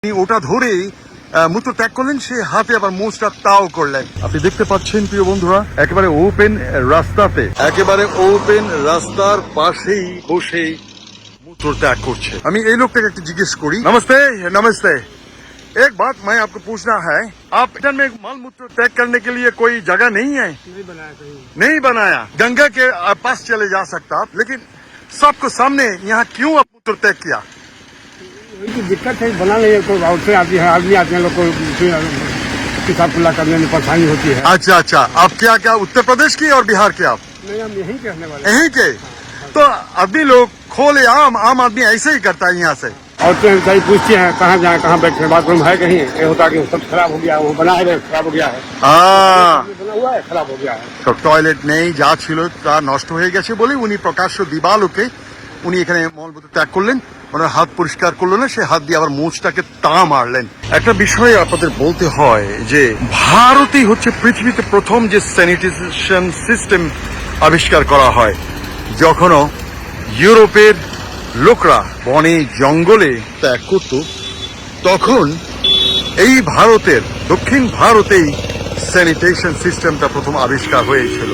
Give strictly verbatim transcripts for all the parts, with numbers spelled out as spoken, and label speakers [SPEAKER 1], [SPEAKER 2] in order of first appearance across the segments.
[SPEAKER 1] ওটা ধরেই মূত্র ত্যাগ করলেন, সে হাতে আবার মোচটা তাও করলেন। আপনি দেখতে পাচ্ছেন প্রিয় বন্ধুরা, একেবারে ওপেন রাস্তাতে, একেবারে ওপেন রাস্তার পাশেই বসেই মূত্র ত্যাগ করছে। আমি এই লোকটাকে একটু জিজ্ঞেস করি। নমস্তে। নমস্তে। एक बात मैं आपको पूछना है, आप इधर में मल मूत्र त्याग करने के लिए कोई जगह नहीं है?
[SPEAKER 2] नहीं बनाया कहीं।
[SPEAKER 1] नहीं बनाया। गंगा के पास चले जा सकता आप, लेकिन सबको सामने यहाँ क्यों आप मूत्र त्याग किया?
[SPEAKER 2] वही दिक्कत है, बना नहीं है, कोई आउट से आती है, आदमी आते हैं, लोग को किताब खुला करने में परेशानी होती है।
[SPEAKER 1] अच्छा अच्छा, आप क्या क्या उत्तर प्रदेश की और बिहार के? आप
[SPEAKER 2] नहीं, हम यहीं के रहने वाले।
[SPEAKER 1] यहीं के? तो आदमी लोग खोले आम आम आदमी ऐसे ही करता है यहाँ से।
[SPEAKER 2] औरतें बेचारी पूछती हैं कहाँ जाए, कहाँ बैठे, बाथरूम है कहीं? ये होता कि सब खराब हो गया, वो बना है खराब हो गया है,
[SPEAKER 1] हाँ,
[SPEAKER 2] बना हुआ है खराब हो गया है।
[SPEAKER 1] তো টয়লেট নেই, যা ছিল তা নষ্ট হয়ে গেছে বলে উনি প্রকাশ্য দিবালোকে উনি এখানে মলমূত্র ত্যাগ করলেন। ওনার হাত পরিষ্কার করলো না, সে হাত দিয়ে আবার মোচটাকে তা মারলেন। একটা বিষয় আপনাদের বলতে হয় যে ভারতেই হচ্ছে পৃথিবীতে প্রথম যে স্যানিটেশন সিস্টেম আবিষ্কার করা হয়। যখনও ইউরোপের লোকরা বনে জঙ্গলে ত্যাগ করত, তখন এই ভারতের দক্ষিণ ভারতেই স্যানিটেশন সিস্টেমটা প্রথম আবিষ্কার হয়েছিল।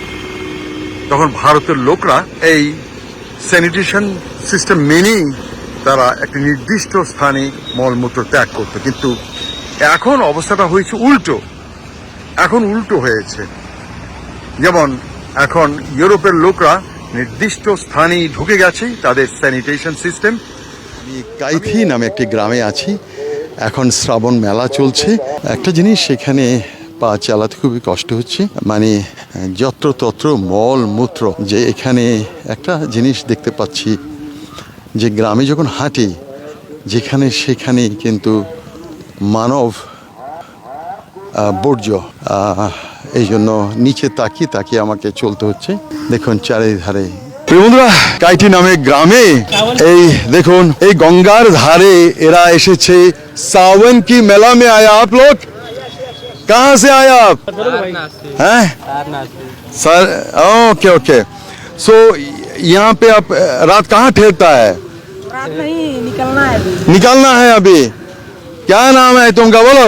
[SPEAKER 1] তখন ভারতের লোকরা এই স্যানিটেশন সিস্টেম মেনেই তারা একটা নির্দিষ্ট স্থানে মলমূত্র ত্যাগ করত। কিন্তু এখন অবস্থাটা হয়েছে উল্টো। এখন উল্টো হয়েছে, যেমন এখন ইউরোপের লোকরা নির্দিষ্ট স্থানে ঢুকে গেছে তাদের স্যানিটেশন সিস্টেম। আমি কাইথি নামে একটি গ্রামে আছি, এখন শ্রাবণ মেলা চলছে। একটা জিনিস সেখানে পা চালাতে খুবই কষ্ট হচ্ছে, মানে যত্রতত্র মল মূত্র। যে এখানে একটা জিনিস দেখতে পাচ্ছি যে গ্রামে যখন হাঁটি, যেখানে সেখানে কিন্তু মানব বর্জ্য। এই জন্য নিচে তাকিয়ে তাকিয়ে আমাকে চলতে হচ্ছে। দেখুন চারিধারে। বন্ধুরা, কাইটি নামে গ্রামে এই দেখুন, এই গঙ্গার ধারে এরা এসেছে। सावन की मेला में आया आप लोग? कहाँ से आया आप? हैं? Sir, okay okay. सो यहाँ पे आप रात कहाँ ठहरता है?
[SPEAKER 3] रात नहीं, निकलना है अभी।
[SPEAKER 1] निकलना है अभी। क्या नाम है तुमका, बोलो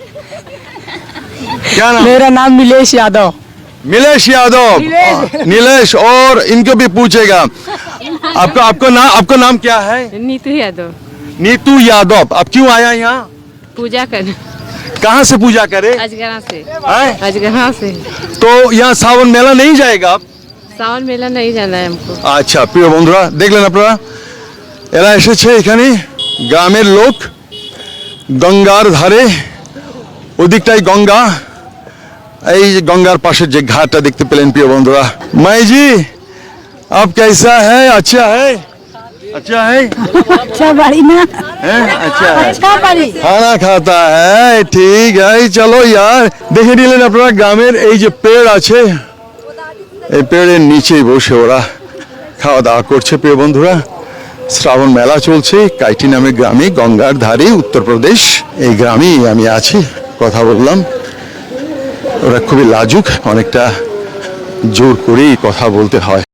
[SPEAKER 1] क्या नाम?
[SPEAKER 3] मेरा नाम नीलेश यादव।
[SPEAKER 1] नीलेश यादव। नीलेश। और इनको भी पूछेगा। आपका आपको नाम आपका नाम क्या है?
[SPEAKER 4] नीतू यादव।
[SPEAKER 1] नीतू यादव। आप क्यों आया यहाँ?
[SPEAKER 4] पूजा कर।
[SPEAKER 1] कहाँ से पूजा करे?
[SPEAKER 4] अजगरा से।
[SPEAKER 1] हैं?
[SPEAKER 4] अजगरा से।
[SPEAKER 1] तो यहाँ सावन मेला नहीं जाएगा आप?
[SPEAKER 4] सावन मेला नहीं जाना है हमको।
[SPEAKER 1] আচ্ছা প্রিয় বন্ধুরা, দেখলেন আপনারা, এরা এসেছে এখানে, গ্রামের লোক, গঙ্গার ধারে, ওদিকটাই গঙ্গা। এই যে গঙ্গার পাশের যে ঘাটটা দেখতে পেলেন প্রিয় বন্ধুরা। মাই জি, आप कैसा है? अच्छा है? अच्छा है?
[SPEAKER 3] अच्छा बड़ी ना
[SPEAKER 1] हैं? अच्छा है।
[SPEAKER 3] अच्छा बड़ी
[SPEAKER 1] খানা খাতা হ্যাঁ, ঠিক আছে। চলো यार, দেখে নিলেন আপনারা গ্রামের এই যে পেড় আছে, এই পেড়ের নিচেই বসে ওরা খাওয়া দাওয়া করছে প্রিয় বন্ধুরা। শ্রাবণ মেলা চলছে কাইটি নামে গ্রামে, গঙ্গার ধারে, উত্তরপ্রদেশ। এই গ্রামেই আমি আছি, কথা বললাম। ওরা খুবই লাজুক, অনেকটা জোর করেই কথা বলতে হয়।